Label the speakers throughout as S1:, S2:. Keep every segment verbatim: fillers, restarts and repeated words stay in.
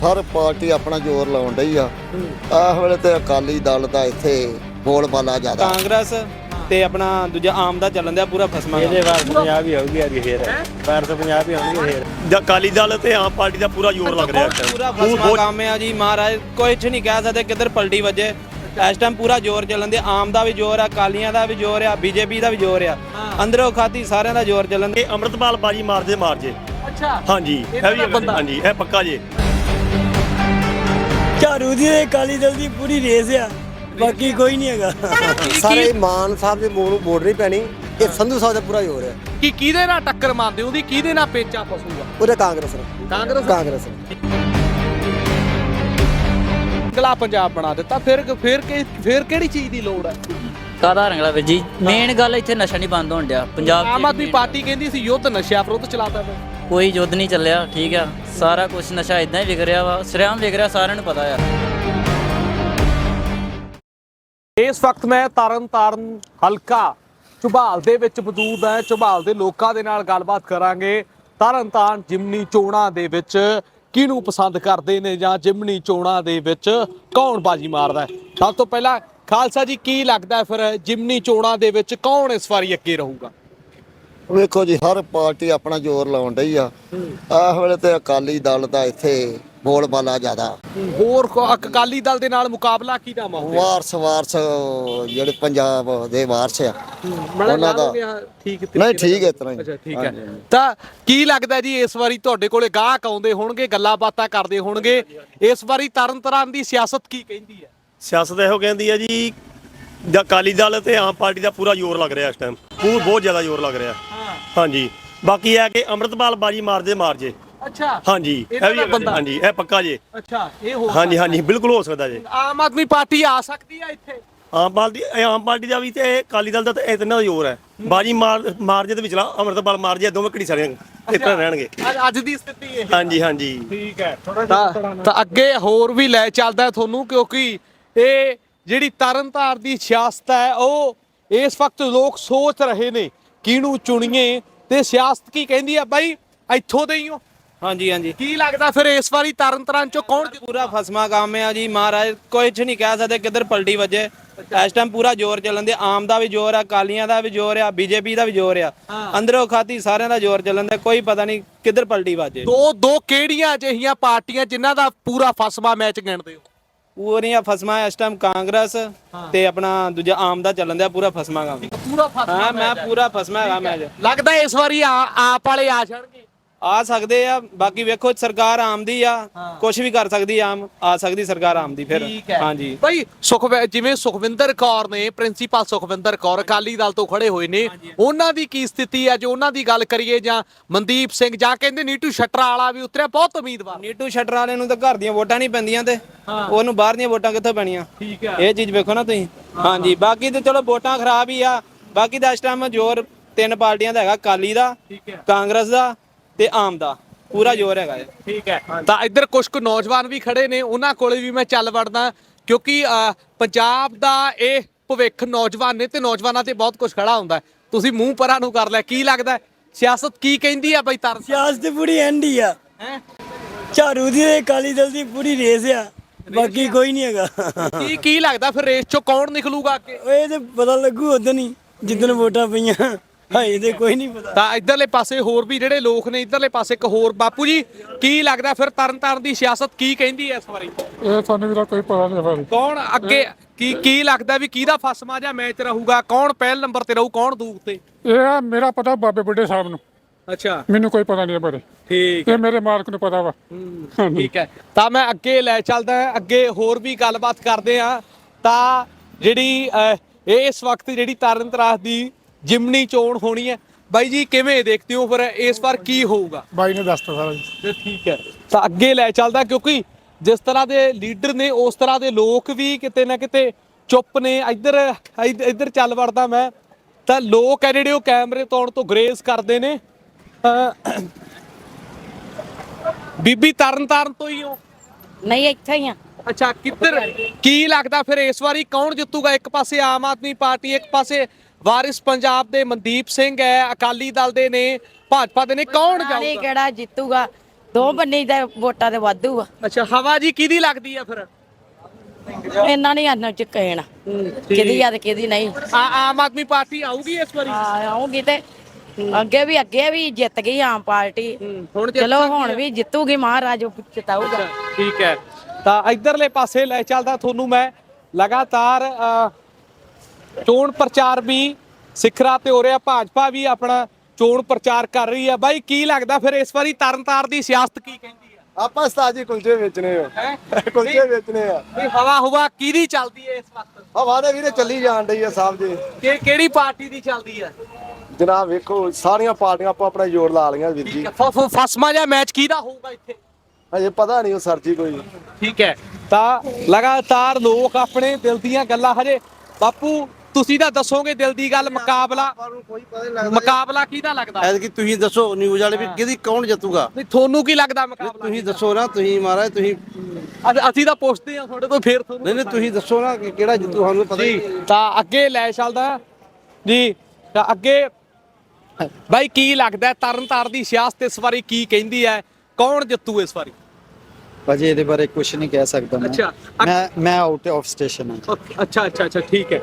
S1: ਹਰ party ਆਪਣਾ ਜ਼ੋਰ ਲਾਉਣ ਡਈ ਆ। ਇਸ ਵੇਲੇ ਤੇ ਅਕਾਲੀ ਦਲ ਦਾ ਇੱਥੇ ਬੋਲਬਾਲਾ ਜ਼ਿਆਦਾ।
S2: ਕਾਂਗਰਸ ਤੇ ਆਪਣਾ ਦੂਜਾ ਆਮ ਦਾ ਚੱਲਣ ਦਿਆ ਪੂਰਾ ਫਸਮਾ।
S3: ਇਹਦੇ ਵਾਰ ਪੰਜਾਬ ਹੀ ਆਉਗੀ ਅੱਜ ਫੇਰ ਵਾਰ ਤੋਂ ਪੰਜਾਬ ਹੀ ਆਉਣਗੇ ਫੇਰ।
S4: ਅਕਾਲੀ ਦਲ ਤੇ ਆਮ ਪਾਰਟੀ ਦਾ ਪੂਰਾ ਜ਼ੋਰ ਲੱਗ ਰਿਹਾ ਹੈ।
S2: ਪੂਰਾ ਫਸਮਾ ਕੰਮ ਹੈ ਜੀ। ਮਹਾਰਾਜ ਕੁਝ ਨਹੀਂ ਕਹਿ ਸਕਦੇ ਕਿੱਧਰ ਪਲਟੀ ਵੱਜੇ। ਇਸ ਟਾਈਮ ਪੂਰਾ ਜ਼ੋਰ ਚੱਲਣ ਦੇ। ਆਮ ਦਾ ਵੀ ਜ਼ੋਰ ਆ, ਅਕਾਲੀਆਂ ਦਾ ਵੀ ਜ਼ੋਰ ਆ, ਬੀਜੇਪੀ ਦਾ ਵੀ ਜ਼ੋਰ ਆ। ਅੰਦਰੋਂ ਖਾਦੀ ਸਾਰਿਆਂ ਦਾ ਜ਼ੋਰ ਚੱਲਣ ਦੇ।
S4: ਅੰਮ੍ਰਿਤਪਾਲ ਬਾਜੀ ਮਾਰ ਜੇ ਮਾਰ ਜੇ।
S2: ਅੱਛਾ
S4: ਹਾਂਜੀ ਇਹ ਵੀ ਹਾਂਜੀ ਇਹ ਪੱਕਾ ਜੇ।
S5: ਝਾੜੂ ਦੀ ਅਕਾਲੀ ਦਲ ਦੀ ਪੂਰੀ ਰੇਸ ਆ, ਬਾਕੀ ਕੋਈ ਨਹੀਂ ਹੈਗਾ।
S1: ਸਾਰੇ ਮਾਨ ਸਾਹਿਬ ਦੇ ਮੂੰਹ ਨੂੰ ਵੋਟ ਨਹੀਂ ਪੈਣੀ। ਇਹ ਸੰਧੂ ਸਾਹਿਬ ਦਾ ਪੂਰਾ ਜ਼ੋਰ ਹੈ।
S6: ਕਿ ਕਿਹਦੇ ਨਾਲ ਟੱਕਰ ਮਾਰਦੇ ਉਹਦੀ, ਕਿਹਦੇ ਨਾਲ ਪੇਚਾ ਫਸੂਗਾ?
S1: ਉਹਦੇ ਕਾਂਗਰਸ ਨਾਲ।
S6: ਕਾਂਗਰਸ
S1: ਕਾਂਗਰਸ
S6: ਅਗਲਾ ਪੰਜਾਬ ਬਣਾ ਦਿੱਤਾ। ਫਿਰ ਫਿਰ ਕਿ- ਫਿਰ ਕਿਹੜੀ ਚੀਜ਼ ਦੀ ਲੋੜ ਹੈ?
S5: ਕਾਦਾ ਰੰਗਲਾ ਵੀਰ ਜੀ, ਮੇਨ ਗੱਲ ਇੱਥੇ ਨਸ਼ਾ ਨਹੀਂ ਬੰਦ ਹੋਣ ਡਿਆ ਪੰਜਾਬ 'ਚ।
S6: ਆਮ ਆਦਮੀ ਪਾਰਟੀ ਕਹਿੰਦੀ ਸੀ ਯੁੱਧ ਨਸ਼ਿਆਂ ਵਿਰੁੱਧ ਚਲਾਤਾ ਪਿਆ।
S5: ਕੋਈ ਯੁੱਧ ਨਹੀਂ ਚੱਲਿਆ, ਠੀਕ ਆ। ਸਾਰਾ ਕੁਝ ਨਸ਼ਾ ਇਦਾਂ ਹੀ ਵਿਕ ਰਿਹਾ ਵਾ, ਸਰਿਆਮ ਵਿਕ ਰਿਹਾ, ਸਾਰਿਆਂ ਨੂੰ ਪਤਾ ਆ।
S6: ਇਸ ਵਕਤ ਮੈਂ ਤਰਨ ਤਾਰਨ ਹਲਕਾ ਝੁਬਾਲ ਦੇ ਵਿੱਚ ਮੌਜੂਦ ਹਾਂ। ਝੁਬਾਲ ਦੇ ਲੋਕਾਂ ਦੇ ਨਾਲ ਗੱਲਬਾਤ ਕਰਾਂਗੇ। ਤਰਨ ਤਾਰਨ ਜਿਮਨੀ ਚੋਣਾਂ ਦੇ ਵਿੱਚ ਕਿਹਨੂੰ ਪਸੰਦ ਕਰਦੇ ਨੇ ਜਾਂ ਜਿਮਨੀ ਚੋਣਾਂ ਦੇ ਵਿੱਚ ਕੌਣ ਬਾਜੀ ਮਾਰਦਾ ਹੈ। ਸਭ ਤੋਂ ਪਹਿਲਾਂ ਖਾਲਸਾ ਜੀ, ਕੀ ਲੱਗਦਾ ਫਿਰ ਜਿਮਨੀ ਚੋਣਾਂ ਦੇ ਵਿੱਚ ਕੌਣ ਇਸ ਵਾਰੀ ਅੱਗੇ ਰਹੂਗਾ?
S1: ਵੇਖੋ ਜੀ, ਹਰ ਪਾਰਟੀ ਆਪਣਾ ਜ਼ੋਰ ਲਾਉਣ ਡਈ ਆ। ਇਸ ਵੇਲੇ ਤੇ ਅਕਾਲੀ ਦਲ ਦਾ ਇੱਥੇ ਬੋਲਬਾਲਾ ਜ਼ਿਆਦਾ।
S6: ਹੋਰ ਕੋ- ਅਕਾਲੀ ਦਲ ਦੇ ਨਾਲ ਮੁਕਾਬਲਾ ਕਿਹਦਾ ਮਾਹੌਲ?
S1: ਵਾਰਸ ਵਾਰਸ ਜਿਹੜੇ ਪੰਜਾਬ ਦੇ ਵਾਰਸ ਆ ਉਹਨਾਂ ਦਾ।
S6: ਠੀਕ
S1: ਨਹੀਂ ਠੀਕ ਹੈ ਇਸ ਤਰ੍ਹਾਂ ਹੀ।
S6: ਅੱਛਾ ਠੀਕ ਹੈ। ਤਾਂ ਕੀ ਲੱਗਦਾ ਜੀ ਇਸ ਵਾਰੀ ਤੁਹਾਡੇ ਕੋਲੇ ਗਾਹਕ ਆਉਂਦੇ ਹੋਣਗੇ, ਗੱਲਾਂ ਬਾਤਾਂ ਕਰਦੇ ਹੋਣਗੇ, ਇਸ ਵਾਰੀ ਤਰਨ ਤਾਰਨ ਦੀ ਸਿਆਸਤ ਕੀ ਕਹਿੰਦੀ ਹੈ?
S4: ਸਿਆਸਤ ਇਹੋ ਕਹਿੰਦੀ ਹੈ ਜੀ, ਅਕਾਲੀ ਦਲ ਤੇ ਆਮ ਪਾਰਟੀ ਦਾ ਪੂਰਾ ਜ਼ੋਰ ਲੱਗ ਰਿਹਾ ਇਸ ਟਾਈਮ। ਬਹੁਤ ਬਹੁਤ ਜ਼ਿਆਦਾ ਜ਼ੋਰ ਲੱਗ ਰਿਹਾ। ਹਾਂਜੀ ਬਾਕੀ ਇਹ ਕਿ ਅੰਮ੍ਰਿਤਪਾਲ ਬਾਜੀ ਮਾਰ ਜੇ ਮਾਰ ਜੇ।
S6: ਅੱਛਾ
S4: ਹਾਂਜੀ ਇਹ ਵੀ ਹਾਂਜੀ ਇਹ ਪੱਕਾ ਜੇ।
S6: ਅੱਛਾ ਇਹ ਹੋ
S4: ਹਾਂਜੀ ਹਾਂਜੀ ਬਿਲਕੁਲ ਹੋ ਸਕਦਾ ਜੇ।
S6: ਆਮ ਆਦਮੀ ਪਾਰਟੀ ਆ ਸਕਦੀ ਆ ਇੱਥੇ?
S4: ਆਮ ਪਾਰਟੀ ਆਮ ਪਾਰਟੀ ਦਾ ਵੀ ਤੇ ਅਕਾਲੀ ਦਲ ਦਾ ਤੇ ਇਤਨਾ ਜ਼ੋਰ ਹੈ। ਬਾਜੀ ਮਾਰ ਮਾਰ ਜੇ ਤੇ ਵਿਚਲਾ ਅੰਮ੍ਰਿਤਪਾਲ ਮਾਰ ਜੇ, ਦੋਵੇਂ ਘੜੀ ਸਾਰੀਆਂ ਇਸ ਤਰ੍ਹਾਂ ਰਹਿਣਗੇ।
S6: ਅੱਜ- ਅੱਜ ਦੀ ਸਥਿਤੀ ਇਹ
S4: ਹਾਂਜੀ ਹਾਂਜੀ
S6: ਠੀਕ ਹੈ। ਤਾਂ ਤਾਂ ਅੱਗੇ ਹੋਰ ਵੀ ਲੈ ਚੱਲਦਾ ਤੁਹਾਨੂੰ, ਕਿਉਂਕਿ ਇਹ ਜਿਹੜੀ ਤਰਨਤਾਰ ਦੀ ਸਿਆਸਤ ਹੈ ਉਹ ਇਸ ਵਕਤ ਲੋਕ ਸੋਚ ਰਹੇ ਨੇ ਕਿਹਨੂੰ ਚੁਣੀਏ ਤੇ ਸਿਆਸਤ ਕੀ ਕਹਿੰਦੀ ਆ। ਬਾਈ ਇੱਥੋਂ ਦੇ ਹੀ ਹੋ?
S2: ਹਾਂਜੀ ਹਾਂਜੀ।
S6: ਕੀ ਲੱਗਦਾ ਫਿਰ ਇਸ ਵਾਰੀ ਤਰਨਤਾਰਨ ਚੋਂ ਕੌਣ?
S2: ਪੂਰਾ ਫਸਮਾ ਕੰਮ ਹੈ ਜੀ। ਮਹਾਰਾਜ ਕੁਝ ਨਹੀਂ ਕਹਿ ਸਕਦੇ ਕਿੱਧਰ ਪਲਟੀ ਵੱਜੇ। ਇਸ ਟਾਈਮ ਪੂਰਾ ਜ਼ੋਰ ਚੱਲਣ ਦੇ। ਆਮ ਦਾ ਵੀ ਜ਼ੋਰ ਆ, ਅਕਾਲੀਆਂ ਦਾ ਵੀ ਜ਼ੋਰ ਆ, ਬੀਜੇਪੀ ਦਾ ਵੀ ਜ਼ੋਰ ਆ। ਅੰਦਰੋਂ ਖਾਦੀ ਸਾਰਿਆਂ ਦਾ ਜ਼ੋਰ ਚੱਲਣ ਦਾ। ਕੋਈ ਪਤਾ ਨਹੀਂ ਕਿੱਧਰ ਪਲਟੀ ਵੱਜੇ।
S6: ਦੋ ਦੋ ਕਿਹੜੀਆਂ ਅਜਿਹੀਆਂ ਪਾਰਟੀਆਂ ਜਿਨ੍ਹਾਂ ਦਾ ਪੂਰਾ ਫਸਮਾ ਮੈਚ ਗਿਣਦੇ ਹੋ?
S2: ਪੂਰੀਆਂ ਫਸਮਾ ਇਸ ਟਾਈਮ ਕਾਂਗਰਸ ਤੇ ਆਪਣਾ ਦੂਜਾ ਆਮ ਦਾ ਚੱਲਣ ਦਿਆ ਪੂਰਾ ਫਸਮਾ ਕੰਮ।
S6: ਪੂਰਾ ਫਸਮਾ
S2: ਹਾਂ ਮੈਂ ਪੂਰਾ ਫਸਮਾ ਹੈਗਾ ਮੈਚ।
S6: ਲੱਗਦਾ ਇਸ ਵਾਰੀ ਆ- ਆਪ ਵਾਲੇ ਆ ਜਾਣਗੇ?
S2: ਆ ਸਕਦੇ ਆ। ਬਾਕੀ ਵੇਖੋ ਸਰਕਾਰ ਆਮ ਦੀ ਆ, ਕੁਝ ਵੀ ਕਰ ਸਕਦੀ ਆਮ। ਆ ਸਕਦੀ ਸਰਕਾਰ ਆਮ ਦੀ ਫਿਰ। ਹਾਂਜੀ
S6: ਭਾਈ ਸੁਖ ਜਿਵੇਂ ਸੁਖਵਿੰਦਰ ਕੌਰ ਨੇ, ਪ੍ਰਿੰਸੀਪਲ ਸੁਖਵਿੰਦਰ ਕੌਰ ਅਕਾਲੀ ਦਲ ਤੋਂ ਖੜੇ ਹੋਏ ਨੇ, ਉਹਨਾਂ ਦੀ ਕੀ ਸਥਿਤੀ ਹੈ? ਜੇ ਉਹਨਾਂ ਦੀ ਗੱਲ ਕਰੀਏ, ਜਾਂ ਮਨਦੀਪ ਸਿੰਘ, ਜਾਂ ਕਹਿੰਦੇ ਨੀਟੂ ਸ਼ਟਰਾ ਵਾਲਾ ਵੀ ਉਤਰਿਆ, ਬਹੁਤ ਉਮੀਦਵਾਰ।
S2: ਨੀਟੂ ਸ਼ਟਰ ਵਾਲੇ ਨੂੰ ਤਾਂ ਘਰ ਦੀਆਂ ਵੋਟਾਂ ਨਹੀਂ ਪੈਂਦੀਆਂ ਤੇ ਉਹਨੂੰ ਬਾਹਰ ਦੀਆਂ ਵੋਟਾਂ ਕਿੱਥੋਂ ਪੈਣੀਆਂ?
S6: ਠੀਕ ਹੈ।
S2: ਇਹ ਚੀਜ਼ ਵੇਖੋ ਨਾ ਤੁਸੀਂ। ਹਾਂਜੀ ਬਾਕੀ ਤੇ ਚਲੋ ਵੋਟਾਂ ਖਰਾਬ ਹੀ ਆ। ਬਾਕੀ ਦਾ ਇਸ ਟਾਈਮ ਜ਼ੋਰ ਤਿੰਨ ਪਾਰਟੀਆਂ ਦਾ ਹੈਗਾ, ਅਕਾਲੀ ਦਾ, ਕਾਂਗਰਸ ਦਾ ਤੇ ਆਮ ਦਾ ਪੂਰਾ ਜ਼ੋਰ ਹੈਗਾ।
S6: ਠੀਕ ਹੈ। ਤਾਂ ਇੱਧਰ ਕੁਝ ਕੁ ਨੌਜਵਾਨ ਵੀ ਖੜੇ ਨੇ, ਉਹਨਾਂ ਕੋਲੇ ਵੀ ਮੈਂ ਚੱਲ ਵੜਦਾ, ਕਿਉਂਕਿ ਅਹ, ਪੰਜਾਬ ਦਾ ਇਹ ਭਵਿੱਖ ਨੌਜਵਾਨ ਨੇ ਤੇ ਨੌਜਵਾਨਾਂ ਤੇ ਬਹੁਤ ਕੁਝ ਖੜਾ ਹੁੰਦਾ। ਤੁਸੀਂ ਮੂੰਹ ਪਰਾਂ ਨੂੰ ਕਰ ਲਿਆ। ਕੀ ਲੱਗਦਾ ਸਿਆਸਤ ਕੀ ਕਹਿੰਦੀ ਆ? ਬਈ ਤਰ
S5: ਸਿਆਸਤ ਪੂਰੀ ਐਂਡ ਹੀ ਆ। ਝਾੜੂ ਦੀ ਅਕਾਲੀ ਦਲ ਦੀ ਪੂਰੀ ਰੇਸ ਆ, ਬਾਕੀ ਕੋਈ ਨਹੀਂ ਹੈਗਾ।
S6: ਕੀ ਕੀ ਲੱਗਦਾ ਫਿਰ ਰੇਸ ਚੋਂ ਕੌਣ ਨਿਕਲੂਗਾ ਅੱਗੇ?
S5: ਇਹ ਤੇ ਪਤਾ ਲੱਗੂ ਉਦੋਂ ਹੀ ਜਿੱਦਣ ਵੋਟਾਂ ਪਈਆਂ। ਹਾਏ ਤੇ ਕੋਈ ਨਹੀਂ ਪਤਾ।
S6: ਤਾਂ ਇਧਰਲੇ ਪਾਸੇ ਹੋਰ ਵੀ ਜਿਹੜੇ ਲੋਕ ਨੇ, ਇਧਰਲੇ ਪਾਸੇ ਇੱਕ ਹੋਰ ਬਾਪੂ ਜੀ, ਕੀ ਲੱਗਦਾ ਫਿਰ ਤਰਨਤਾਰਨ ਦੀ ਸਿਆਸਤ ਕੀ ਕਹਿੰਦੀ ਹੈ ਇਸ ਵਾਰੀ?
S7: ਇਹ ਸਾਨੂੰ ਵੀਰਾ ਕੋਈ ਪਤਾ ਨਹੀਂ ਬਾਰੇ।
S6: ਕੌਣ ਅੱਗੇ ਕੀ ਕੀ ਲੱਗਦਾ ਵੀ ਕਿਹਦਾ ਫਸਮਾ ਜਾਂ ਮੈਚ ਰਹੂਗਾ? ਕੌਣ ਪਹਿਲ ਨੰਬਰ ਤੇ ਰਹੂ, ਕੌਣ ਦੂਰ ਤੇ?
S7: ਇਹ ਮੇਰਾ ਪਤਾ ਬਾਬੇ ਬੁੱਢੇ ਸਾਹਿਬ ਨੂੰ,
S6: ਅੱਛਾ
S7: ਮੈਨੂੰ ਕੋਈ ਪਤਾ ਨਹੀਂ ਬਾਰੇ।
S6: ਠੀਕ
S7: ਇਹ ਮੇਰੇ ਮਾਲਕ ਨੂੰ ਪਤਾ ਵਾ।
S6: ਠੀਕ ਹੈ। ਤਾਂ ਮੈਂ ਅੱਗੇ ਲੈ ਚੱਲਦਾ ਹਾਂ, ਅੱਗੇ ਹੋਰ ਵੀ ਗੱਲਬਾਤ ਕਰਦੇ ਆ। ਤਾਂ ਜਿਹੜੀ ਅਹ, ਇਹ ਇਸ ਵਕਤ ਜਿਹੜੀ ਤਰਨਤਾਰਨ ਦੀ ਜਿਮਨੀ ਚੋਣ ਹੋਣੀ ਹੈ, ਬਾਈ ਜੀ ਕਿਵੇਂ ਦੇਖਦੇ ਹੋ ਫਿਰ ਇਸ ਵਾਰ ਕੀ ਹੋਊਗਾ?
S7: ਬਾਈ ਨੇ ਦੱਸਤਾ ਸਾਰਾ ਜੀ।
S6: ਤੇ ਠੀਕ ਹੈ। ਤਾਂ ਅੱਗੇ ਲੈ ਚੱਲਦਾ, ਕਿਉਂਕਿ ਜਿਸ ਤਰ੍ਹਾਂ ਦੇ ਲੀਡਰ ਨੇ ਉਸ ਤਰ੍ਹਾਂ ਦੇ ਲੋਕ ਵੀ ਕਿਤੇ ਨਾ ਕਿਤੇ ਚੁੱਪ ਨੇ। ਇੱਧਰ ਇੱਧਰ ਚੱਲ ਵੜਦਾ ਮੈਂ, ਤਾਂ ਲੋਕ ਹੈ ਜਿਹੜੇ ਉਹ ਕੈਮਰੇ ਤੋਂ ਤੋਂ ਗਰੇਜ਼ ਕਰਦੇ ਨੇ। ਅਹ, ਬੀਬੀ ਤਰਨਤਾਰਨ ਤੋਂ ਹੀ ਹੋ?
S8: ਨਹੀਂ ਇੱਥੇ ਹੀ ਆ।
S6: ਅੱਛਾ ਕਿੱਧਰ ਕੀ ਲੱਗਦਾ ਫਿਰ ਇਸ ਵਾਰੀ ਕੌਣ ਜਿੱਤੂਗਾ? ਇੱਕ ਪਾਸੇ ਆਮ ਆਦਮੀ ਪਾਰਟੀ, ਇੱਕ ਪਾਸੇ ਵਾਰਿਸ ਪੰਜਾਬ ਦੇ ਮਨਦੀਪ ਸਿੰਘ ਹੈ, ਅਕਾਲੀ ਦਲ ਦੇ ਨੇ, ਭਾਜਪਾ ਦੇ ਨੇ, ਕੌਣ
S8: ਨਹੀਂ
S6: ਜਾਊਗਾ?
S8: ਕਿਹੜਾ ਜਿੱਤੂਗਾ? ਦੋ ਬੰਨੇ ਦਾ ਵੋਟਾਂ ਦੇ ਵਾਧੂ ਆ।
S6: ਅੱਛਾ ਹਵਾ ਜੀ ਕਿਹਦੀ ਲੱਗਦੀ ਆ ਫਿਰ?
S8: ਇਹਨਾਂ ਨਹੀਂ ਆਨਾ ਚ ਕਹਿਣਾ ਕਿਹਦੀ ਆ ਤੇ ਕਿਹਦੀ ਨਹੀਂ।
S6: ਆ ਆਮ ਆਦਮੀ ਪਾਰਟੀ ਆਊਗੀ ਇਸ ਵਾਰੀ?
S8: ਆ ਆਉਂਗੀ ਤੇ ਅੱਗੇ ਵੀ ਅੱਗੇ ਵੀ ਜਿੱਤ ਗਈ ਆਮ ਪਾਰਟੀ,
S6: ਹੁਣ ਜਿੱਤ
S8: ਚਲੋ
S6: ਸਕਦੀ
S8: ਹੁਣ
S6: ਆ?
S8: ਵੀ ਜਿੱਤੂਗੀ, ਮਹਾਰਾਜ ਉਹ ਜਿਤਾਊਗਾ।
S6: ਠੀਕ ਹੈ, ਤਾਂ ਇਧਰਲੇ ਪਾਸੇ ਲੈ ਚੱਲਦਾ ਤੁਹਾਨੂੰ ਮੈਂ। ਲਗਾਤਾਰ ਅ, ਚੋਣ ਪ੍ਰਚਾਰ ਵੀ ਸਿਖਰਾਂ ਤੇ ਹੋ ਰਿਹਾ, ਭਾਜਪਾ ਵੀ ਆਪਣਾ ਚੋਣ ਪ੍ਰਚਾਰ ਕਰ ਰਹੀ ਹੈ। ਬਾਈ ਕੀ ਲੱਗਦਾ ਫਿਰ ਇਸ ਵਾਰੀ ਤਰਨਤਾਰਨ ਦੀ ਸਿਆਸਤ ਕੀ ਕਹਿੰਦੀ ਆ?
S3: ਆਪਾਂ ਉਸਤਾਦ ਜੀ ਕੁਲਚੇ ਵੇਚਣੇ ਆ,
S6: ਹੈ
S3: ਕੁਲਚੇ ਵੇਚਣੇ ਆ।
S6: ਵੀ ਹਵਾ ਹੁਵਾ ਕਿਹਦੀ ਚੱਲਦੀ ਹੈ ਇਸ ਵਕਤ?
S3: ਹਵਾ ਦੇ ਵੀਰੇ ਚੱਲੀ ਜਾਣ ਡਈ ਆ ਸਾਹਿਬ ਜੀ।
S6: ਕਿ ਕਿਹੜੀ ਪਾਰਟੀ ਦੀ ਚੱਲਦੀ ਹੈ?
S3: ਜਨਾਬ ਵੇਖੋ ਸਾਰੀਆਂ ਪਾਰਟੀਆਂ ਆਪੋ ਆਪਣਾ ਜ਼ੋਰ ਲਾ ਲਈਆਂ ਵੀਰ ਜੀ।
S6: ਫ- ਫ- ਫਸਮਾ ਜਿਹਾ ਮੈਚ ਕਿਹਦਾ ਹੋਊਗਾ ਇੱਥੇ?
S3: ਅਜੇ ਪਤਾ ਨਹੀਂ ਉਹ ਸਰਜੀ ਕੋਈ।
S6: ਠੀਕ ਹੈ, ਤਾਂ ਲਗਾਤਾਰ ਲੋਕ ਆਪਣੇ ਦਿਲ ਦੀਆਂ ਗੱਲਾਂ ਹਜੇ ਬਾਪੂ ਤੁਸੀਂ ਤਾਂ ਦੱਸੋਗੇ ਦਿਲ ਦੀ ਗੱਲ। ਮੁਕਾਬਲਾ
S3: ਕੋਈ ਪਤਾ ਨਹੀਂ
S6: ਮੁਕਾਬਲਾ ਕਿਹਦਾ ਲੱਗਦਾ?
S9: ਐਤਕੀ ਤੁਸੀਂ ਦੱਸੋ ਨਿਊਜ਼ ਵਾਲੇ ਵੀ ਕਿਹਦੀ ਕੌਣ ਜਿੱਤੂਗਾ?
S6: ਨਹੀਂ ਤੁਹਾਨੂੰ ਕੀ ਲੱਗਦਾ ਮੁਕਾਬਲਾ?
S9: ਤੁਸੀਂ ਦੱਸੋ ਨਾ, ਤੁਸੀਂ ਮਹਾਰਾਜ ਤੁਸੀਂ
S6: ਅਸ- ਅਸੀਂ ਤਾਂ ਪੁੱਛਦੇ ਹਾਂ ਤੁਹਾਡੇ ਤੋਂ, ਫੇਰ ਤੁਹਾਨੂੰ
S9: ਨਹੀਂ ਨਹੀਂ ਤੁਸੀਂ ਦੱਸੋ ਨਾ ਕਿ ਕਿਹੜਾ ਜਿੱਤੂ, ਸਾਨੂੰ ਪਤਾ ਹੀ
S6: ਜੀ। ਤਾਂ ਅੱਗੇ ਲੈ ਚੱਲਦਾ ਜੀ, ਤਾਂ ਅੱਗੇ ਬਾਈ ਕੀ ਲੱਗਦਾ ਤਰਨਤਾਰਨ ਦੀ ਸਿਆਸਤ ਇਸ ਵਾਰੀ ਕੀ ਕਹਿੰਦੀ ਹੈ? ਕੌਣ ਜਿੱਤੂ ਇਸ ਵਾਰੀ?
S10: ਭਾਜੀ ਇਹਦੇ ਬਾਰੇ ਕੁਝ ਨਹੀਂ ਕਹਿ ਸਕਦਾ ਮੈਂ।
S6: ਅੱਛਾ
S10: ਮੈਂ ਮੈਂ ਆਊਟ ਆਫ ਸਟੇਸ਼ਨ ਹਾਂ।
S6: ਅੱਛਾ ਅੱਛਾ ਅੱਛਾ ਠੀਕ ਹੈ।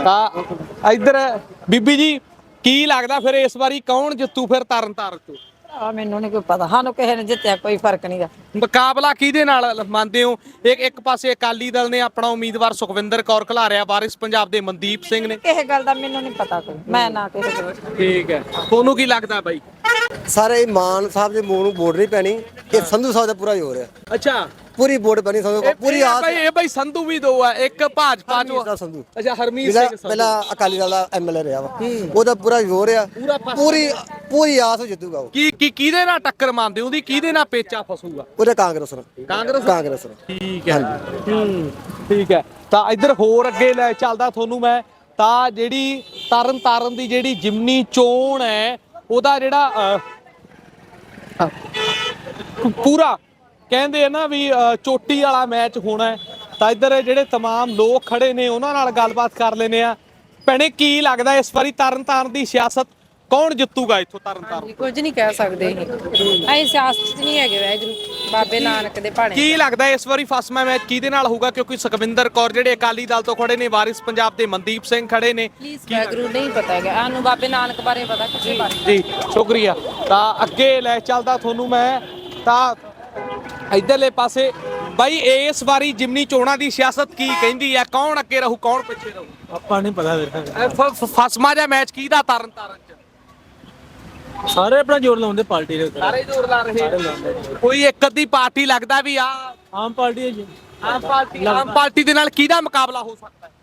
S6: ਤਾਂ ਇੱਧਰ ਬੀਬੀ ਜੀ ਕੀ ਲੱਗਦਾ ਫਿਰ ਇਸ ਵਾਰੀ ਕੌਣ ਜਿੱਤੂ ਫਿਰ ਤਰਨਤਾਰਨ ਤੋਂ?
S8: ਆ ਮੈਨੂੰ ਨਹੀਂ ਕੋਈ ਪਤਾ, ਸਾਨੂੰ ਕਿਸੇ ਨੇ ਜਿੱਤਿਆ ਕੋਈ ਫਰਕ ਨਹੀਂਗਾ।
S6: ਮੁਕਾਬਲਾ ਕਿਹਦੇ ਨਾਲ ਮੰਨਦੇ ਹੋ? ਇੱਕ ਇੱਕ ਪਾਸੇ ਅਕਾਲੀ ਦਲ ਨੇ ਆਪਣਾ ਉਮੀਦਵਾਰ ਸੁਖਵਿੰਦਰ ਕੌਰ ਖਿਲਾਰਿਆ, ਵਾਰਿਸ ਪੰਜਾਬ ਦੇ ਮਨਦੀਪ ਸਿੰਘ ਨੇ।
S8: ਕਿਸੇ ਗੱਲ ਦਾ ਮੈਨੂੰ ਨਹੀਂ ਪਤਾ ਕੋਈ, ਮੈਂ ਨਾ ਕਿਸੇ ਕੋਲ।
S6: ਠੀਕ ਹੈ, ਤੁਹਾਨੂੰ ਕੀ ਲੱਗਦਾ ਬਾਈ?
S3: ਸਾਰੇ ਮਾਨ ਸਾਹਿਬ ਦੇ ਮੂੰਹ ਨੂੰ ਵੋਟ ਨਹੀਂ ਪੈਣੀ, ਇਹ ਸੰਧੂ ਸਾਹਿਬ ਦਾ ਪੂਰਾ ਜ਼ੋਰ ਹੈ।
S6: ਅੱਛਾ
S3: ਪੂਰੀ ਵੋਟ ਪੈਣੀ ਸੰਧੂ
S6: ਇਹ-
S3: ਪੂਰੀ
S6: ਇਹ
S3: ਆਸ
S6: ਬਾਈ ਇਹ ਬਾਈ ਸੰਧੂ ਵੀ ਦੋ ਆ, ਇੱਕ ਭਾਜਪਾ
S3: ਹਰਮੀਤ
S6: ਚੋਂ।
S3: ਦਾ ਸੰਧੂ।
S6: ਅੱਛਾ ਹਰਮੀਤ
S3: ਜਿਹੜਾ
S6: ਸਿੰਘ ਸੰਧੂ।
S3: ਪਹਿਲਾਂ ਅਕਾਲੀ ਦਲ ਦਾ ਐਮਐਲਏ ਰਿਹਾ ਵਾ, ਉਹਦਾ ਪੂਰਾ ਜ਼ੋਰ ਆ।
S6: ਪੂਰਾ ਪਾਸਾ।
S3: ਪੂਰੀ ਪੂਰੀ ਆਸ ਹੋ ਜਿੱਤੂਗਾ ਉਹ।
S6: ਕੀ ਕੀ ਕਿਹਦੇ ਨਾਲ ਟੱਕਰ ਮੰਨਦੇ ਹੋ? ਉਹਦੀ ਕਿਹਦੇ ਨਾਲ ਪੇਚਾ ਫਸੂਗਾ?
S3: ਉਹਦਾ ਕਾਂਗਰਸ ਨਾਲ।
S6: ਕਾਂਗਰਸ?
S3: ਕਾਂਗਰਸ ਨਾਲ।
S6: ਠੀਕ ਹੈ, ਹੂੰ ਠੀਕ ਹੈ। ਤਾਂ ਇੱਧਰ ਹੋਰ ਅੱਗੇ ਲੈ ਚੱਲਦਾ ਤੁਹਾਨੂੰ ਮੈਂ। ਤਾਂ ਜਿਹੜੀ ਤਰਨ ਤਾਰਨ ਦੀ ਜਿਹੜੀ ਜਿਮਨੀ ਚੋਣ ਹੈ ਉਹਦਾ ਜਿਹੜਾ ਅਹ, ਪੂਰਾ ਕਹਿੰਦੇ ਆ ਨਾ ਵੀ ਅਹ, ਚੋਟੀ ਵਾਲਾ ਮੈਚ ਹੋਣਾ ਹੈ। ਤਾਂ ਇੱਧਰ ਜਿਹੜੇ तमाम ਲੋਕ ਖੜੇ ਨੇ ਉਹਨਾਂ ਨਾਲ ਗੱਲਬਾਤ ਕਰ ਲੈਨੇ ਆ। ਭੈਣੇ ਕੀ ਲੱਗਦਾ ਇਸ ਵਾਰੀ ਤਰਨ ਤਾਰਨ ਦੀ ਸਿਆਸਤ ਕੌਣ ਜਿੱਤੂਗਾ ਇੱਥੋਂ ਤਰਨ ਤਾਰਨ?
S8: ਕੁਝ ਨਹੀਂ ਕਹਿ ਸਕਦੇ ਅਸੀਂ ਸਿਆਸਤ 'ਚ ਨਹੀਂ ਹੈਗੇ ਵੈਗਰੂ ਬਾਬੇ ਨਾਨਕ ਦੇ ਭਾਣੇ।
S6: ਕੀ ਲੱਗਦਾ ਇਸ ਵਾਰੀ ਫਸਮਾ ਮੈਚ ਕਿਹਦੇ ਨਾਲ ਹੋਊਗਾ? ਕਿਉਂਕਿ ਸੁਖਵਿੰਦਰ ਕੌਰ ਜਿਹੜੇ ਅਕਾਲੀ ਦਲ ਤੋਂ ਖੜੇ ਨੇ, ਵਾਰਿਸ ਪੰਜਾਬ ਦੇ ਮਨਦੀਪ ਸਿੰਘ ਖੜੇ ਨੇ।
S8: ਪਲੀਜ਼ ਵੈਗਰੂ ਨਹੀਂ ਪਤਾ ਹੈਗਾ ਸਾਨੂੰ, ਬਾਬੇ ਨਾਨਕ ਬਾਰੇ ਪਤਾ, ਕਿਸੇ ਬਾਰੇ।
S6: ਜੀ ਸ਼ੁਕਰੀਆ। ਤਾਂ ਅੱਗੇ ਲੈ ਚੱਲਦਾ ਤੁਹਾਨੂੰ ਮੈਂ। ਤਾਂ ਇਧਰਲੇ ਪਾਸੇ ਬਾਈ ਇਸ ਵਾਰੀ ਜਿਮਨੀ ਚੋਣਾਂ ਦੀ ਸਿਆਸਤ ਕੀ ਕਹਿੰਦੀ ਹੈ? ਕੌਣ ਅੱਗੇ ਰਹੂ, ਕੌਣ ਪਿੱਛੇ ਰਹੂ?
S7: ਆਪਾਂ ਨਹੀਂ ਪਤਾ ਵੀਰ।
S6: ਫਸਮਾ ਜਿਹਾ ਮੈਚ ਕਿਹਦਾ ਤਰਨ ਤਾਰਨ ਚ?
S7: ਸਾਰੇ ਆਪਣਾ ਜ਼ੋਰ ਲਾਉਂਦੇ ਪਾਰਟੀ ਦੇ ਉੱਤੇ।
S6: ਸਾਰੇ ਜ਼ੋਰ ਲਾ ਰਹੇ ਕੋਈ ਇੱਕ ਅੱਧੀ ਪਾਰਟੀ ਲੱਗਦਾ ਵੀ ਆ
S7: ਆਮ ਪਾਰਟੀ ਹੈ ਜੀ।
S6: ਆਮ ਪਾਰਟੀ ਆਮ ਪਾਰਟੀ ਦੇ ਨਾਲ ਕਿਹਦਾ ਮੁਕਾਬਲਾ ਹੋ ਸਕਦਾ ਹੈ?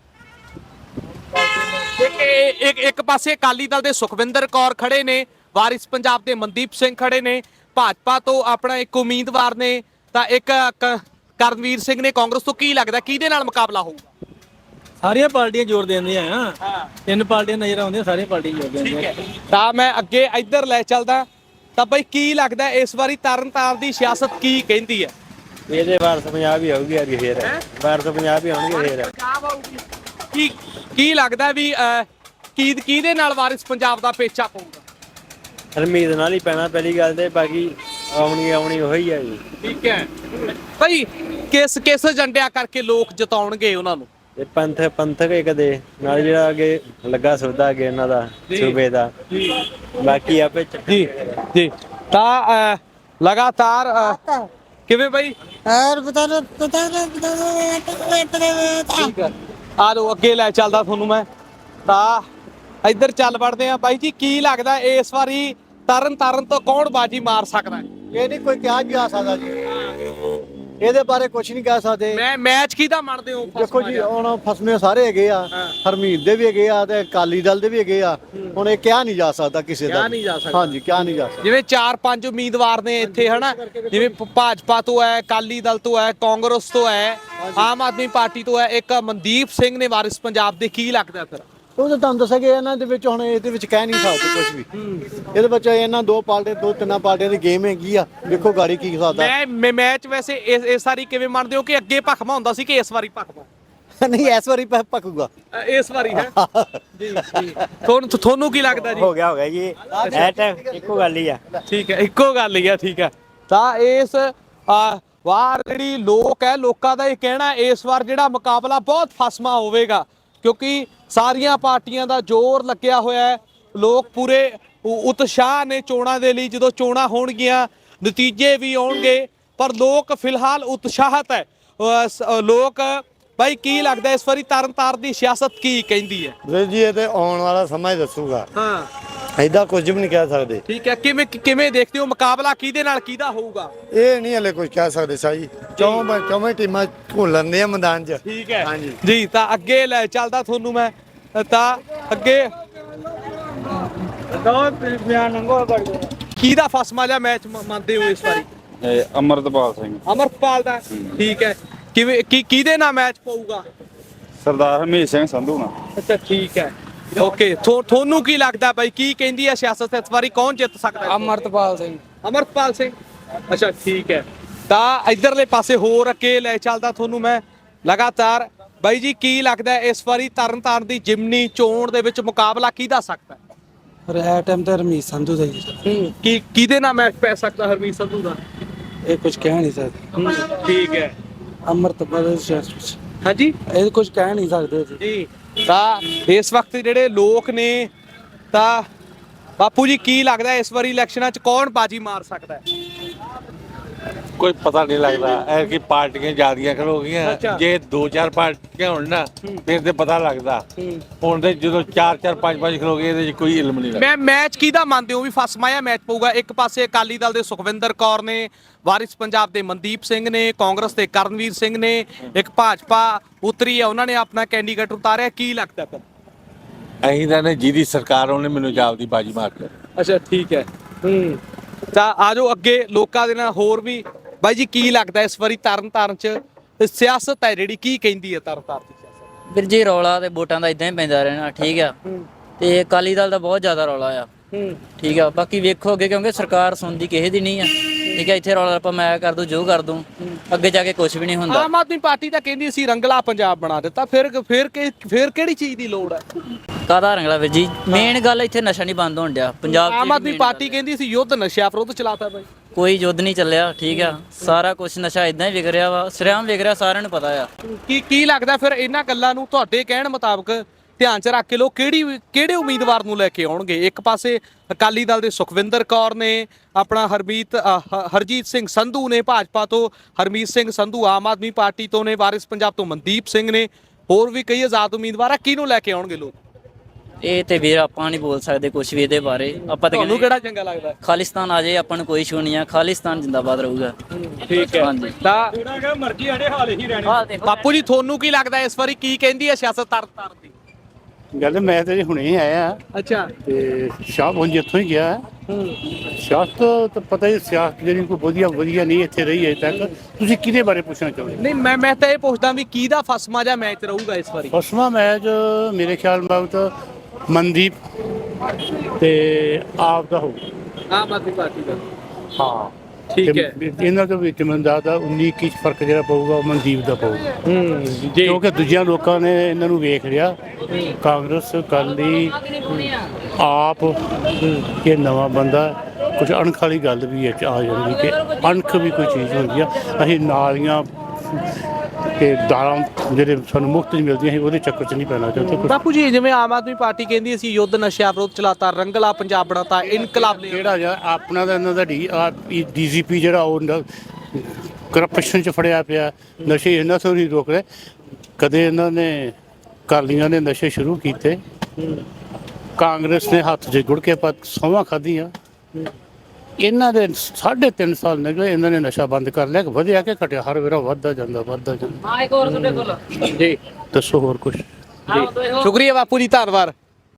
S6: ਇੱਕ ਇੱਕ ਇੱਕ ਪਾਸੇ ਅਕਾਲੀ ਦਲ ਦੇ ਸੁਖਵਿੰਦਰ ਕੌਰ ਖੜੇ ਨੇ, ਵਾਰਿਸ ਪੰਜਾਬ ਦੇ ਮਨਦੀਪ ਸਿੰਘ ਖੜੇ ਨੇ, ਭਾਜਪਾ ਤੋਂ ਆਪਣਾ ਇੱਕ ਉਮੀਦਵਾਰ ਨੇ, ਤਾਂ ਇੱਕ ਕ- ਕਰਨਵੀਰ ਸਿੰਘ ਨੇ ਕਾਂਗਰਸ ਤੋਂ। ਕੀ ਲੱਗਦਾ ਕਿਹਦੇ ਨਾਲ ਮੁਕਾਬਲਾ ਹੋਊਗਾ?
S7: ਸਾਰੀਆਂ ਪਾਰਟੀਆਂ ਜ਼ੋਰ ਦਿੰਦੀਆਂ ਆ। ਤਿੰਨ ਪਾਰਟੀਆਂ ਨਜ਼ਰ ਆਉਂਦੀਆਂ, ਸਾਰੀਆਂ ਪਾਰਟੀਆਂ ਜ਼ੋਰ ਦਿੰਦੀਆਂ।
S6: ਤਾਂ ਮੈਂ ਅੱਗੇ ਇੱਧਰ ਲੈ ਚੱਲਦਾ। ਤਾਂ ਬਈ ਕੀ ਲੱਗਦਾ ਇਸ ਵਾਰੀ ਤਰਨਤਾਰਨ ਦੀ ਸਿਆਸਤ ਕੀ ਕਹਿੰਦੀ ਹੈ?
S3: ਇਹਦੇ ਵਾਰਸ ਪੰਜਾਬ ਹੀ ਆਊਗੀ ਯਾਰ ਫੇਰ। ਵਾਰਸ ਪੰਜਾਬ ਹੀ ਆਉਣਗੇ ਫੇਰ।
S6: ਕੀ ਕੀ ਲੱਗਦਾ ਵੀ ਅਹ, ਕੀ ਕਿਹਦੇ ਨਾਲ ਵਾਰਿਸ ਪੰਜਾਬ ਦਾ ਪੇਚਾ ਪਊਗਾ?
S3: ਹਰਮੀਤ ਨਾਲ ਹੀ ਪੈਣਾ ਪਹਿਲੀ ਗੱਲ ਤੇ, ਬਾਕੀ ਆਉਣੀ ਆਉਣੀ ਉਹੀ ਆ ਜੀ।
S6: ਠੀਕ ਹੈ ਭਾਈ, ਕਿਸ ਕਿਸ ਏਜੰਡਿਆਂ ਕਰਕੇ ਲੋਕ ਜਿਤਾਉਣਗੇ ਉਹਨਾਂ ਨੂੰ?
S3: ਤੇ ਪੰਥ ਪੰਥਕ ਇੱਕ ਦੇ ਨਾਲ ਜਿਹੜਾ ਅੱਗੇ ਲੱਗਾ ਸੌਦਾ ਅੱਗੇ ਇਹਨਾਂ ਦਾ ਸੂਬੇ ਦਾ, ਬਾਕੀ ਆਪੇ
S6: ਜੀ ਜੀ। ਤਾਂ ਅਹ, ਲਗਾਤਾਰ ਅਹ, ਕਿਵੇਂ ਭਾਈ? ਠੀਕ ਹੈ, ਆ ਲੋ ਅੱਗੇ ਲੈ ਚੱਲਦਾ ਤੁਹਾਨੂੰ ਮੈਂ। ਤਾਂ ਇੱਧਰ ਚੱਲ ਵੜਦੇ ਆ ਬਾਈ ਜੀ। ਕੀ ਲੱਗਦਾ ਇਸ ਵਾਰੀ ਤਰਨ ਤਾਰਨ ਤੋਂ ਕੌਣ ਬਾਜੀ ਮਾਰ ਸਕਦਾ ਹੈ?
S3: ਇਹ ਨਹੀਂ ਕੋਈ ਕਿਹਾ ਜਾ ਸਕਦਾ ਜੀ, ਇਹਦੇ ਬਾਰੇ ਕੁਝ ਨਹੀਂ ਕਹਿ ਸਕਦੇ।
S6: ਮੈਂ ਮੈਚ ਕਿਹਦਾ ਮੰਨਦੇ ਹੋ?
S3: ਦੇਖੋ ਜੀ ਹੁਣ ਫਸਮੇ ਸਾਰੇ ਹੈਗੇ ਆ, ਹਰਮੀਤ ਦੇ ਵੀ ਹੈਗੇ ਆ ਤੇ ਅਕਾਲੀ ਦਲ ਦੇ ਵੀ ਹੈਗੇ ਆ। ਹੁਣ ਇਹ ਕਿਹਾ ਨਹੀਂ ਜਾ ਸਕਦਾ ਕਿਸੇ ਦਾ।
S6: ਕਿਹਾ ਨਹੀਂ ਜਾ ਸਕਦਾ।
S3: ਹਾਂਜੀ ਕਿਹਾ ਨਹੀਂ ਜਾ ਸਕਦਾ।
S6: ਜਿਵੇਂ ਚਾਰ ਪੰਜ ਉਮੀਦਵਾਰ ਨੇ ਇੱਥੇ ਹਨਾ, ਜਿਵੇਂ ਭ- ਭਾਜਪਾ ਤੋਂ ਹੈ, ਅਕਾਲੀ ਦਲ ਤੋਂ ਹੈ, ਕਾਂਗਰਸ ਤੋਂ ਹੈ, ਆਮ ਆਦਮੀ ਪਾਰਟੀ ਤੋਂ ਹੈ, ਇੱਕ ਮਨਦੀਪ ਸਿੰਘ ਨੇ ਵਾਰਿਸ ਪੰਜਾਬ ਦੇ। ਕੀ ਲੱਗਦਾ ਫਿਰ?
S3: ਉਹ ਤਾਂ ਤੁਹਾਨੂੰ ਦੱਸਿਆ ਕਿ ਇਹਨਾਂ ਦੇ ਵਿੱਚ ਹੁਣ ਇਹਦੇ ਵਿੱਚ ਕਹਿ ਨਹੀਂ ਸਕਦੇ ਕੁਝ ਵੀ। ਇਹਦੇ ਵਿੱਚ ਇਹਨਾਂ ਦੋ ਪਾਰਟੀ ਦੋ ਤਿੰਨਾਂ ਪਾਰਟੀਆਂ ਦੀ ਗੇਮ ਹੈਗੀ ਆ। ਦੇਖੋ ਗਾੜੀ ਕੀ ਸਕਦਾ।
S6: ਮੈਂ ਮੈਂ ਮੈਚ ਵੈਸੇ ਇਸ ਇਸ ਵਾਰੀ ਕਿਵੇਂ ਮੰਨਦੇ ਹੋ ਕਿ ਅੱਗੇ ਭਖਮਾ ਹੁੰਦਾ ਸੀ ਕਿ ਇਸ ਵਾਰੀ ਭਖਮਾ?
S3: ਨਹੀਂ ਇਸ ਵਾਰੀ ਪ- ਪੱਕੂਗਾ।
S6: ਅ, ਇਸ ਵਾਰੀ ਹੈ ਜੀ ਜੀ। ਤੁਹਾਨੂੰ ਤੁਹਾਨੂੰ ਕੀ ਲੱਗਦਾ ਜੀ?
S3: ਹੋ ਗਿਆ ਹੋ ਗਿਆ ਜੀ, ਇਹ ਟਾਈਮ ਇੱਕੋ ਗੱਲ ਹੀ ਆ।
S6: ਠੀਕ ਹੈ, ਇੱਕੋ ਗੱਲ ਹੀ ਆ। ਠੀਕ ਹੈ, ਤਾਂ ਇਸ ਅ, ਵਾਰ ਜਿਹੜੀ ਲੋਕ ਹੈ ਲੋਕਾਂ ਦਾ ਇਹ ਕਹਿਣਾ ਇਸ ਵਾਰ ਜਿਹੜਾ ਮੁਕਾਬਲਾ ਬਹੁਤ ਫਸਮਾ ਹੋਵੇਗਾ ਕਿਉਂਕਿ ਸਾਰੀਆਂ ਪਾਰਟੀਆਂ ਦਾ ਜ਼ੋਰ ਲੱਗਿਆ ਹੋਇਆ ਹੈ। ਲੋਕ ਪੂਰੇ ਉ- ਉਤਸ਼ਾਹ ਨੇ ਚੋਣਾਂ ਦੇ ਲਈ। ਜਦੋਂ ਚੋਣਾਂ ਹੋਣਗੀਆਂ ਨਤੀਜੇ ਵੀ ਆਉਣਗੇ ਪਰ ਲੋਕ ਫਿਲਹਾਲ ਉਤਸ਼ਾਹਤ ਹੈ। ਅ, ਸ- ਅ, ਲੋਕ ਭਾਈ ਕੀ ਲੱਗਦਾ ਇਸ ਵਾਰੀ ਤਰਨਤਾਰਨ ਦੀ ਸਿਆਸਤ ਕੀ ਕਹਿੰਦੀ ਹੈ?
S3: ਵੀਰ ਜੀ ਇਹ ਤੇ ਆਉਣ ਵਾਲਾ ਸਮਾਂ ਹੀ ਦੱਸੂਗਾ,
S6: ਹਾਂ
S3: ਐਦਾਂ ਕੁਝ ਵੀ ਨਹੀਂ ਕਹਿ ਸਕਦੇ।
S6: ਠੀਕ ਹੈ, ਕਿਵੇਂ ਕਿਵੇਂ ਦੇਖਦੇ ਹੋ ਮੁਕਾਬਲਾ ਕਿਹਦੇ ਨਾਲ ਕਿਹਦਾ ਹੋਊਗਾ?
S3: ਇਹ ਨਹੀਂ ਹਲੇ ਕੁਝ ਕਹਿ ਸਕਦੇ ਸਾਜੀ, ਚੌਂ ਚੌਵੇਂ ਟੀਮਾਂ ਘੁਲਣ ਦੀਆਂ ਮੈਦਾਨ 'ਚ।
S6: ਠੀਕ ਹੈ
S3: ਹਾਂਜੀ
S6: ਜੀ। ਤਾਂ ਅੱਗੇ ਲੈ ਚੱਲਦਾ ਤੁਹਾਨੂੰ ਮੈਂ ਤਾਂ ਅੱਗੇ ਕਿਹਦਾ ਫਸਮਾ ਜਿਹਾ ਮੈਚ ਮੰਨਦੇ ਹੋ ਇਸ ਵਾਰੀ?
S10: ਅਮਰਤਪਾਲ ਸਿੰਘ
S6: ਅਮਰਪਾਲ ਦਾ। ਠੀਕ ਹੈ, ਕਿਵੇਂ ਕੀ ਕਿਹਦੇ ਨਾਲ ਮੈਚ ਪਊਗਾ?
S10: ਸਰਦਾਰ ਹਰਮੀਤ ਸਿੰਘ ਸੰਧੂ ਨਾਲ।
S6: ਅੱਛਾ ਠੀਕ ਹੈ, ਓਕੇ। ਤੁਹਾਨੂੰ ਕੀ ਲੱਗਦਾ ਬਾਈ ਕੀ ਕਹਿੰਦੀ ਹੈ ਸਿਆਸਤ ਇਸ ਵਾਰੀ ਕੌਣ ਜਿੱਤ ਸਕਦਾ ਹੈ?
S5: ਅਮਰਤਪਾਲ ਸਿੰਘ।
S6: ਅਮਰਪਾਲ ਸਿੰਘ। ਅੱਛਾ ਠੀਕ ਹੈ, ਤਾਂ ਇਧਰਲੇ ਪਾਸੇ ਹੋਰ ਅੱਗੇ ਲੈ ਚੱਲਦਾ ਤੁਹਾਨੂੰ ਮੈਂ ਲਗਾਤਾਰ। ਬਾਈ ਜੀ ਕੀ ਲੱਗਦਾ ਹੈ ਇਸ ਵਾਰੀ ਤਰਨਤਾਰਨ ਦੀ ਜਿਮਨੀ ਚੋਣ ਦੇ ਵਿੱਚ ਮੁਕਾਬਲਾ ਕਿਹਦਾ ਸਕਦਾ ਹੈ?
S5: ਇਹ ਟਾਈਮ ਤੇ ਹਰਮੀਤ ਸੰਧੂ ਦਾ ਜੀ ਸਰ।
S6: ਕੀ ਕਿਹਦੇ ਨਾਲ ਮੈਚ ਪੈ ਸਕਦਾ ਹਰਮੀਤ ਸੰਧੂ ਦਾ?
S5: ਇਹ ਕੁਝ ਕਹਿ ਨਹੀਂ ਸਕਦੇ।
S6: ਠੀਕ ਹੈ,
S5: ਅਮਰਤਪਾਲ
S6: ਹਾਂਜੀ
S5: ਇਹ ਕੁਝ ਕਹਿ ਨਹੀਂ ਸਕਦੇ ਜੀ।
S6: ਜੀ। ਤਾਂ ਇਸ ਵਕਤ ਜਿਹੜੇ ਲੋਕ ਨੇ ਤਾਂ ਬਾਪੂ ਜੀ ਕੀ ਲੱਗਦਾ ਇਸ ਵਾਰੀ ਇਲੈਕਸ਼ਨਾਂ 'ਚ ਕੌਣ ਬਾਜੀ ਮਾਰ ਸਕਦਾ ਹੈ?
S11: ਕੋਈ ਪਤਾ ਨਹੀਂ ਲੱਗਦਾ ਐ ਕਿ ਪਾਰਟੀਆਂ ਜ਼ਿਆਦੀਆਂ ਖਲੋ
S6: ਅੱਛਾ।
S11: ਗਈਆਂ। ਜੇ ਦੋ ਚਾਰ ਪਾਰਟੀਆਂ ਹੋਣ ਨਾ ਫਿਰ ਤੇ ਪਤਾ ਲੱਗਦਾ। ਹੁਣ ਤੇ ਜਦੋਂ ਚਾਰ ਚਾਰ ਪੰਜ ਪੰਜ ਖਲੋ ਗਏ ਇਹਦੇ 'ਚ ਕੋਈ ਇਲਮ ਨਹੀਂ ਲੱਗਦਾ।
S6: ਮੈਂ ਮੈਚ ਕਿਹਦਾ ਮੰਨਦੇ ਹੋ ਵੀ ਫਸਮਾਇਆ ਮੈਚ ਪਊਗਾ? ਇੱਕ ਪਾਸੇ ਅਕਾਲੀ ਦਲ ਦੇ ਸੁਖਵਿੰਦਰ ਕੌਰ ਨੇ, ਵਾਰਿਸ ਪੰਜਾਬ ਦੇ ਮਨਦੀਪ ਸਿੰਘ ਨੇ, ਕਾਂਗਰਸ ਦੇ ਕਰਨਵੀਰ ਸਿੰਘ ਨੇ, ਇੱਕ ਭਾਜਪਾ ਉਤਰੀ ਹੈ ਉਹਨਾਂ ਨੇ ਆਪਣਾ ਕੈਂਡੀਡੇਟ ਉਤਾਰਿਆ। ਕੀ ਲੱਗਦਾ ਫਿਰ?
S11: ਅਸੀਂ ਤਾਂ ਨੇ ਜਿਹਦੀ ਸਰਕਾਰ ਉਹਨੇ ਮੈਨੂੰ ਜਾਬ ਦੀ ਬਾਜੀ ਮਾਰ ਕੇ।
S6: ਅੱਛਾ ਠੀਕ ਹੈ। ਹੂੰ ਤਾਂ ਆਜੋ ਅੱਗੇ ਲੋਕਾਂ ਦੇ ਨਾਲ ਹੋਰ ਵੀ। ਬਾਈ ਜੀ ਕੀ ਲੱਗਦਾ ਇਸ ਵਾਰੀ ਤਰਨਤਾਰਨ 'ਚ ਸਿਆਸਤ ਹੈ ਜਿਹੜੀ ਕੀ ਕਹਿੰਦੀ ਹੈ ਤਰਨਤਾਰਨ ਦੀ ਸਿਆਸਤ?
S5: ਵੀਰ ਜੀ ਰੌਲਾ ਤੇ ਵੋਟਾਂ ਦਾ ਇਦਾਂ ਹੀ ਪੈਂਦਾ ਰਹਿਣਾ। ਠੀਕ ਆ, ਤੇ ਅਕਾਲੀ ਦਲ ਦਾ ਬਹੁਤ ਜ਼ਿਆਦਾ ਰੌਲਾ ਆ। ਠੀਕ ਆ, ਬਾਕੀ ਵੇਖੋ ਅੱਗੇ ਕਿਉਂਕਿ ਸਰਕਾਰ ਸੁਣਦੀ ਕਿਸੇ ਦੀ ਨਹੀਂ ਆ। ਠੀਕ ਆ, ਇੱਥੇ ਰੌਲਾ ਆਪਾਂ ਮੈਂ ਕਰ ਦੂੰ ਜੋ ਕਰ ਦੂੰ, ਅੱਗੇ ਜਾ ਕੇ ਕੁਝ ਵੀ ਨਹੀਂ ਹੁੰਦਾ।
S6: ਆਮ ਆਦਮੀ ਪਾਰਟੀ ਤਾਂ ਕਹਿੰਦੀ ਸੀ ਰੰਗਲਾ ਪੰਜਾਬ ਬਣਾ ਦਿੱਤਾ, ਫਿਰ ਫਿਰ ਕਿ- ਫਿਰ ਕਿਹੜੀ ਚੀਜ਼ ਦੀ ਲੋੜ ਹੈ?
S5: ਕਾਹਦਾ ਰੰਗਲਾ ਵੀਰ ਜੀ? ਮੇਨ ਗੱਲ ਇੱਥੇ ਨਸ਼ਾ ਨਹੀਂ ਬੰਦ ਹੋਣ ਡਿਆ ਪੰਜਾਬ 'ਚ।
S6: ਆਮ ਆਦਮੀ ਪਾਰਟੀ ਕਹਿੰਦੀ ਸੀ ਯੁੱਧ ਨਸ਼ਿਆਂ ਵਿਰੁੱਧ ਚਲਾਤਾ ਬਾਈ।
S5: ਕੋਈ ਯੁੱਧ ਨਹੀਂ ਚੱਲਿਆ। ਠੀਕ ਆ, ਸਾਰਾ ਕੁਝ ਨਸ਼ਾ ਇਦਾਂ ਹੀ ਵਿਕ ਰਿਹਾ ਵਾ, ਸਰਿਆਮ ਵਿਕ ਰਿਹਾ, ਸਾਰਿਆਂ ਨੂੰ ਪਤਾ ਆ।
S6: ਕੀ ਕੀ ਲੱਗਦਾ ਫਿਰ ਇਹਨਾਂ ਗੱਲਾਂ ਨੂੰ ਤੁਹਾਡੇ ਕਹਿਣ ਮੁਤਾਬਕ ਧਿਆਨ 'ਚ ਰੱਖ ਕੇ ਲੋਕ ਕਿਹੜੀ ਕਿਹੜੇ ਉਮੀਦਵਾਰ ਨੂੰ ਲੈ ਕੇ ਆਉਣਗੇ? ਇੱਕ ਪਾਸੇ ਅਕਾਲੀ ਦਲ ਦੇ ਸੁਖਵਿੰਦਰ ਕੌਰ ਨੇ, ਆਪਣਾ ਹਰਮੀਤ ਅ, ਹ- ਹਰਜੀਤ ਸਿੰਘ ਸੰਧੂ ਨੇ ਭਾਜਪਾ ਤੋਂ, ਹਰਮੀਤ ਸਿੰਘ ਸੰਧੂ ਆਮ ਆਦਮੀ ਪਾਰਟੀ ਤੋਂ ਨੇ, ਵਾਰਿਸ ਪੰਜਾਬ ਤੋਂ ਮਨਦੀਪ ਸਿੰਘ ਨੇ, ਹੋਰ ਵੀ ਕਈ ਆਜ਼ਾਦ ਉਮੀਦਵਾਰ ਆ। ਕਿਹਨੂੰ ਲੈ ਕੇ ਆਉਣਗੇ ਲੋਕ?
S5: ਇਹ ਤੇ ਵੀਰ ਆਪਾਂ ਨਹੀਂ ਬੋਲ ਸਕਦੇ ਕੁਝ ਵੀ ਇਹਦੇ ਬਾਰੇ। ਆਪਾਂ ਤਾਂ
S6: ਤੁਹਾਨੂੰ
S5: ਕਹਿੰਦੇ
S6: ਕਿਹੜਾ ਚੰਗਾ ਲੱਗਦਾ?
S5: ਖਾਲਿਸਤਾਨ ਆ ਜਾਏ, ਆਪਾਂ ਨੂੰ ਕੋਈ ਇਸ਼ੂ ਨਹੀਂ ਆ। ਖਾਲਿਸਤਾਨ ਜਿੰਦਾਬਾਦ ਰਹੂਗਾ।
S6: ਠੀਕ ਹੈ।
S5: ਹਾਂਜੀ।
S6: ਤਾਂ
S7: ਮਰਜ਼ੀ ਆੜੇ ਹਾਲੇ ਹੀ ਰਹਿਣੇ।
S6: ਬਾਪੂ ਜੀ ਤੁਹਾਨੂੰ ਕੀ ਲੱਗਦਾ ਇਸ ਵਾਰੀ ਕੀ ਕਹਿੰਦੀ ਹੈ ਸਿਆਸਤ ਤਰਨਤਾਰਨ ਦੀ?
S3: ਗੱਲ ਮੈਂ ਤੇ ਹੁਣੇ ਆਇਆ
S6: ਅੱਛਾ
S3: ਤੇ ਸ਼ਾਹ ਹੁਣ ਜਿੱਥੋਂ ਹੀ ਗਿਆ ਸਿਆਸਤ ਤਾਂ ਪਤਾ ਹੀ ਸਿਆਸਤ ਜਿਹੜੀ ਕੋਈ ਵਧੀਆ ਵਧੀਆ ਨਹੀਂ ਇੱਥੇ ਰਹੀ ਅਜੇ ਤੱਕ। ਤੁਸੀਂ ਕਿਹਦੇ ਬਾਰੇ ਪੁੱਛਣਾ ਚਾਹੁੰਦੇ?
S6: ਨਹੀਂ ਮੈਂ ਮੈਂ ਤਾਂ ਇਹ ਪੁੱਛਦਾ ਵੀ ਕਿਹਦਾ ਫਸਮਾ ਜਾਂ ਮੈਚ ਰਹੂਗਾ ਇਸ ਵਾਰੀ?
S3: ਫਸਵਾਂ ਮੈਚ ਮੇਰੇ ਖਿਆਲ ਮੁਤਾਬਕ ਮਨਦੀਪ ਤੇ ਆਪ ਦਾ ਹੋਊ।
S6: ਆਮ ਆਦਮੀ ਪਾਰਟੀ ਦਾ।
S3: ਹਾਂ
S6: ਠੀਕ
S3: ਤੇ
S6: ਹੈ।
S3: ਇਹਨਾਂ ਦੇ ਵਿੱਚ ਮੈਨੂੰ ਲੱਗਦਾ ਉੱਨੀ ਇੱਕੀ 'ਚ ਫਰਕ ਜਿਹੜਾ ਪਊਗਾ ਉਹ ਮਨਦੀਪ ਦਾ ਪਊਗਾ।
S6: ਹੂੰ ਜੀ।
S3: ਕਿਉਂਕਿ ਦੂਜਿਆਂ ਲੋਕਾਂ ਨੇ ਇਹਨਾਂ ਨੂੰ ਵੇਖ ਲਿਆ, ਕਾਂਗਰਸ ਅਕਾਲੀ ਆਪ ਇਹ ਨਵਾਂ ਬੰਦਾ, ਕੁਝ ਅਣਖ ਵਾਲੀ ਗੱਲ ਵੀ ਇਹ 'ਚ ਆ ਜਾਂਦੀ ਕਿ ਅਣਖ ਵੀ ਕੋਈ ਚੀਜ਼ ਹੁੰਦੀ ਆ। ਅਸੀਂ ਨਾਲੀਆਂ ਤੇ ਦਾਲਾਂ ਜਿਹੜੇ ਸਾਨੂੰ ਮੁਫਤ ਨਹੀਂ ਮਿਲਦੀਆਂ ਸੀ ਉਹਦੇ ਚੱਕਰ 'ਚ ਨਹੀਂ ਪੈਣਾ ਚਾਹੁੰਦੇ।
S6: ਬਾਪੂ ਜੀ ਜਿਵੇਂ ਆਮ ਆਦਮੀ ਪਾਰਟੀ ਕਹਿੰਦੀ ਅਸੀਂ ਯੁੱਧ ਨਸ਼ਿਆਂ ਵਿਰੁੱਧ ਚਲਾਤਾ, ਰੰਗਲਾ ਪੰਜਾਬ ਬਣਾਤਾ, ਇਨਕਲਾਬ ਲਿਆ।
S3: ਕਿਹੜਾ ਜਿਹਾ ਆਪਣਾ ਦਾ ਇਹਨਾਂ ਦਾ ਡੀ ਡੀਜੀਪੀ ਜਿਹੜਾ ਉਹ ਕਰਪਸ਼ਨ 'ਚ ਫੜਿਆ ਪਿਆ, ਨਸ਼ੇ ਇਹਨਾਂ ਤੋਂ ਨਹੀਂ ਰੋਕ ਰਹੇ। ਕਦੇ ਇਹਨਾਂ ਨੇ ਅਕਾਲੀਆਂ ਨੇ ਨਸ਼ੇ ਸ਼ੁਰੂ ਕੀਤੇ, ਕਾਂਗਰਸ ਨੇ ਹੱਥ 'ਚ ਗੁੜ ਕੇ ਪਾ ਸੌਂਹਾਂ ਖਾਧੀਆਂ। ਇਹਨਾਂ ਦੇ ਸਾਢੇ ਤਿੰਨ ਸਾਲ ਨਿਕਲੇ, ਇਹਨਾਂ ਨੇ ਨਸ਼ਾ ਬੰਦ ਕਰ ਲਿਆ। ਵਧਿਆ ਕਿ ਘਟਿਆ? ਹਰ ਵੇਰਾ ਵੱਧਦਾ ਜਾਂਦਾ ਵੱਧਦਾ ਜਾਂਦਾ।
S5: ਹਾਂ ਇੱਕ ਹੋਰ ਤੁਹਾਡੇ ਕੋਲ
S6: ਜੀ
S3: ਦੱਸੋ ਹੋਰ ਕੁਝ?
S6: ਸ਼ੁਕਰੀਆ ਬਾਪੂ ਜੀ, ਧੰਨਵਾਦ।